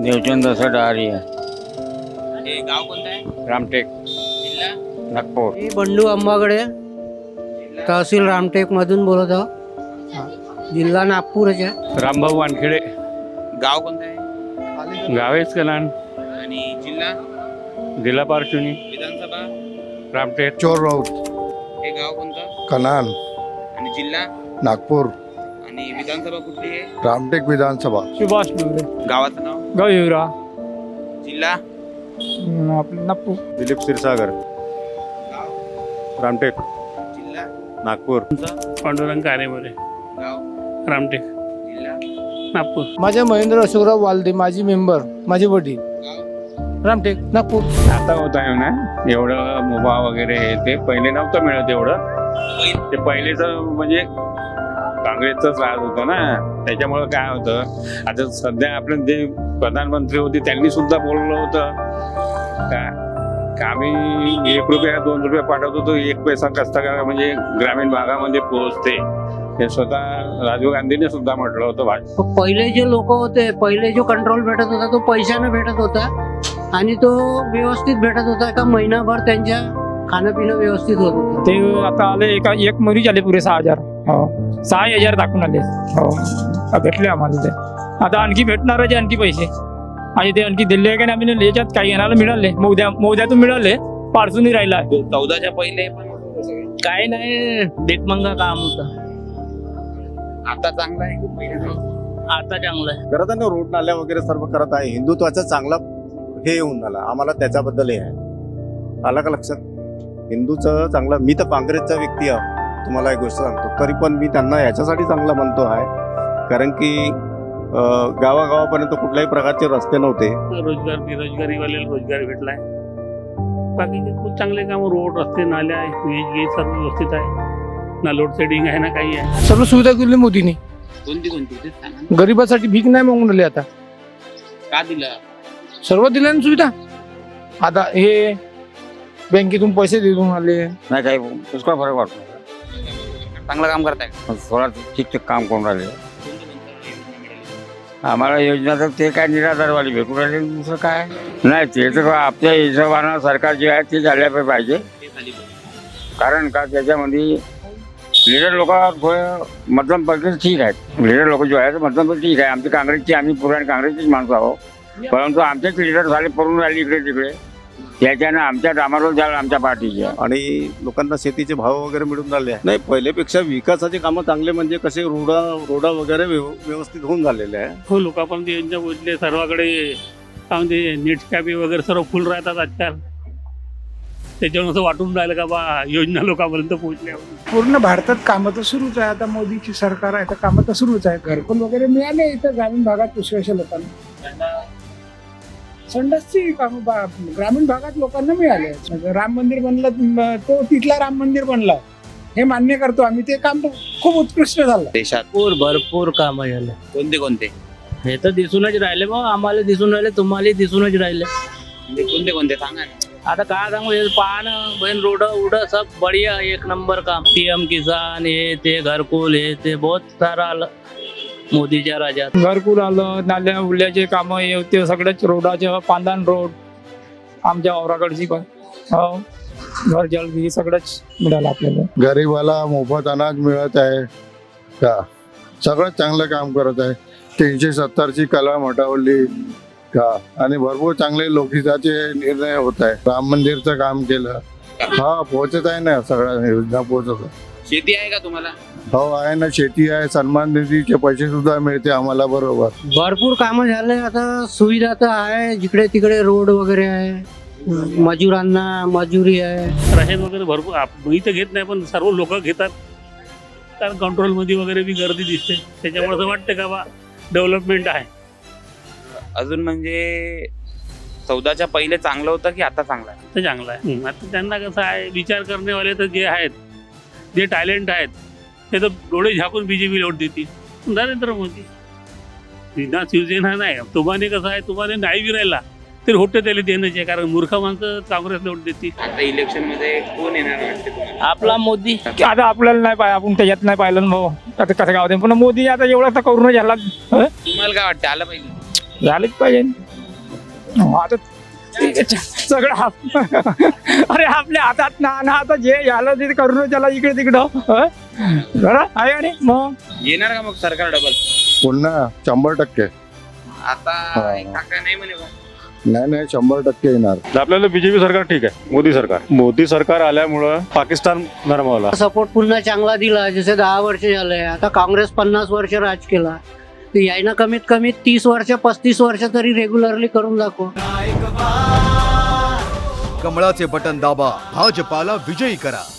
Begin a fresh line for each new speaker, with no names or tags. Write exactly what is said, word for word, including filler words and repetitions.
देवचंद असं डहारी आहे.
हे गाव कोणतं आहे?
रामटेक,
जिल्हा?
नागपूर.
मी बंडू अंबागडे, तहसील रामटेक मधून बोलत आहो. जिल्हा नागपूरच आहे.
रामभाऊ वानखेडे,
गाव कोणतं आहे?
गावेच कलान,
आणि जिल्हा?
जिल्हा पारचुनी,
विधानसभा?
रामटेक.
चोर राऊत,
हे गाव कोणतं?
कनाल,
आणि जिल्हा?
नागपूर.
आणि विधानसभा कुठली आहे?
रामटेक विधानसभा.
सुभाष डुबरे,
गावाचं नाव?
गाव येवरा,
जिल्हा?
आपलं नागपूर.
दिलीप क्षीरसागर,
गाव?
रामटेक,
जिल्हा?
नागपूर.
पांडुरंग कारेमोरे,
गाव?
रामटेक,
जिल्हा?
नागपूर.
माझे महेंद्र अशोकराव वालदे, माझी मेंबर, माझे वडील,
गाव?
रामटेक, नागपूर.
आता होत आहे ना एवढं मोबा वगैरे हे ते पहिले नव्हतं मिळत एवढं.
पहिलं?
ते पहिलेच म्हणजे काँग्रेसचाच राज होतं ना, त्याच्यामुळं काय होतं. आता सध्या आपले जे प्रधानमंत्री होते त्यांनी सुद्धा बोललं होतं का का आम्ही एक रुपया दोन रुपये पाठवतो तो एक पैसा कसा का म्हणजे ग्रामीण भागामध्ये पोहोचते. हे स्वतः राजीव गांधीने सुद्धा म्हटलं होतं भाजप.
पहिले जे लोक होते, पहिले जो कंट्रोल भेटत होता तो पैशाने भेटत होता आणि तो व्यवस्थित भेटत होता का महिनाभर त्यांच्या खाणं पिणं व्यवस्थित होत होतं.
ते आता आले एका एक मरीज आले पुरे सहा हजार हो सहा हजार दाखवून आले हो आ, भेटले आम्हाला ते. आता आणखी भेटणार आहे आणखी पैसे आणि ते आणखी दिले आहे का नाही आम्ही याच्यात काही येणारा मिळाले मोद्या मोद्यातून मिळाले पार्सूनही राहिला आहे.
चौदाच्या पहिले पण होतं सगळे.
काही नाही, डेटमंगा काम होतं.
आता चांगलं आहे की पहिलं?
आता चांगलं आहे.
करत आहे ना, रोड नाल्या वगैरे सर्व करत आहे. हिंदुत्वाचा चांगला हे येऊन झाला आम्हाला, त्याच्याबद्दल हे आहे. आला का लक्षात? हिंदूचं चांगलं. मी तर काँग्रेसचा व्यक्ती आहे, तुम्हाला एक गोष्ट सांगतो. तरी पण मी त्यांना याच्यासाठी चांगला म्हणतो आहे कारण की अं, गावागावापर्यंत कुठल्याही प्रकारचे रस्ते नव्हते.
रोजगार बेरोजगारीवाले रोजगार भेटलाय. बाकीचे खूप चांगले काम, रोड रस्ते नाल्या आहे, वीज गीज सर्व व्यवस्थित आहे ना, लोड शेडिंग आहे ना, काही आहे.
सर्व सुविधा केली मोदींनी.
कोणती कोणती ते सांगा.
गरीबासाठी भीक नाही मागून राहिले आता,
का दिलं?
सर्व दिल्या ना सुविधा. आता हे बँकेतून पैसे देऊन आले.
नाही काही पुष्कळ फरक वाटतो.
चांगलं काम करताय का?
थोडा ठिकठीक काम करून राहिले.
कोणती कोणती योजना मिळाली?
आम्हाला योजना तर ते काय निराधारवाली भेटून राहिले, दुसरं काय नाही. ते तर आपल्या हिशोबानं सरकार जे आहे ते झाल्या पाहिजे.
ते खाली बघ.
कारण का त्याच्यामध्ये लिडर लोक मध्यम पद्धती ठीक आहेत. लिडर लोक जो आहे मध्यम पद्धती ठीक आहे. आमची काँग्रेसची आम्ही पुराणी काँग्रेसचीच माणसं आहोत, परंतु आमचेच लिडर झाले पडून राहिले इकडे तिकडे, त्याच्यानं आमच्या डामारोल झाला आमच्या पार्टीच्या.
आणि लोकांना शेतीचे भाव वगैरे मिळून राहिले आहे. नाही, पहिल्यापेक्षा विकासाचे कामं चांगले म्हणजे कसे रोडा रोडा वगैरे व्यव- व्यवस्थित होऊन झालेले आहे.
हो, लोकांपर्यंत योजना पोहोचले सर्वाकडे. काय म्हणते, नेट कॅबी वगैरे सर्व फुल राहतात आजकाल. त्याच्यावर असं वाटून राहिलं का बा योजना लोकांपर्यंत पोहोचल्या.
पूर्ण भारतात कामं तर सुरूच आहे. आता मोदीची सरकार आहे तर कामं तर सुरूच आहे. घरकुल वगैरे मिळाले इथं ग्रामीण भागात पुष्कळशा लोकांना. संडासची कामं बा- ग्रामीण भागात लोकांना मिळाले. राम मंदिर बनलं, म- तो तिथला राम मंदिर बनला हे मान्य करतो आम्ही. ते काम तर खूप उत्कृष्ट झालं.
देशात
भरपूर भरपूर काम झालं.
कोणते कोणते?
हे तर दिसूनच राहिले मग, आम्हाला दिसून राहिले, तुम्हाला दिसूनच राहिले.
म्हणजे कोणते कोणते सांगा ना.
आता काय सांगू, हे पाहणं बहीण, रोड उड सब बढिया, एक नंबर काम. पीएम किसान हे ते घरकुल हे ते बहुत सारा आलं मोदीच्या राज्यात.
घरकुल आलं, नाल्या उल्याचे कामं हे होते सगळेच, रोडाचे पांदान रोड आमच्या औराकडची पण हो घर जल सगळंच मिळालं आपल्याला.
गरीबाला मोफत अनाज मिळत आहे का, सगळं चांगलं काम करत आहे. तीनशे सत्तरची कलम हटवली का, आणि भरपूर चांगले लोकहिताचे निर्णय होत आहे. राम मंदिरचं काम केलं, हा पोहोचत आहे ना, सगळ्या योजना पोहोचत आहे.
शेती आहे का तुम्हाला?
हो आहे ना, शेती आहे, सन्मान निधीचे पैसे सुद्धा मिळते आम्हाला. बरोबर,
भरपूर कामं झाले. आता सुविधा तर आहे, जिकडे तिकडे रोड वगैरे आहे, मजुरांना मजुरी आहे.
राशन वगैरे भरपूर आप- मी तर घेत नाही, पण सर्व लोक घेतात कारण कंट्रोलमध्ये वगैरे बी गर्दी दिसते. त्याच्यामुळे असं वाटतं का बा डेव्हलपमेंट आहे.
अजून म्हणजे चौदाच्या पहिले चांगलं होतं की आता चांगलं आहे?
तर चांगलं आहे. आता त्यांना कसं आहे, विचार करण्यावाले तर जे आहेत, जे टॅलेंट आहेत, ते तर डोळे झाकून बीजेपी लोट देतील. नरेंद्र मोदी विना शिवसेना नाही. तुम्हाला कसं आहे, तुम्हाला नाही बी राहिला तरी होते त्याला देण्याचे, कारण मूर्ख माणसं काँग्रेस लोट देतील.
आता इलेक्शन मध्ये कोण येणार वाटते तुम्हाला?
आपला मोदी.
आता आपल्याला नाही पाहिजे, आपण त्याच्यात नाही पाहिलं ना भाऊ. आता कसं गाव पण मोदी आता एवढा तर करून झाला हं?
तुम्हाला काय वाटतं, आलं पाहिजे?
झालंच पाहिजे. हो, आता ते सगळं आप- अरे आपल्या हातात ना ना आता जे झालं ते करून त्याला इकडे तिकडं हं? बरं आहे आणि मग
येणार का मग सरकार डबल?
पुन्हा शंभर टक्के
आता
हा.
एक काका नाही म्हणे बा.
नाही नाही शंभर टक्के येणार.
आपल्याला बीजेपी सरकार ठीक आहे. मोदी सरकार मोदी सरकार आल्यामुळं पाकिस्तान नरमावला.
सपोर्ट पुन्हा चांगला दिला, जसे दहा वर्ष झाले. आता काँग्रेस पन्नास वर्ष राज केला, तर यायनं कमीत कमी तीस वर्ष पस्तीस वर्ष तरी रेग्युलरली करून दाखव.
कमळाचे बटन दाबा, भाजपाला विजयी करा.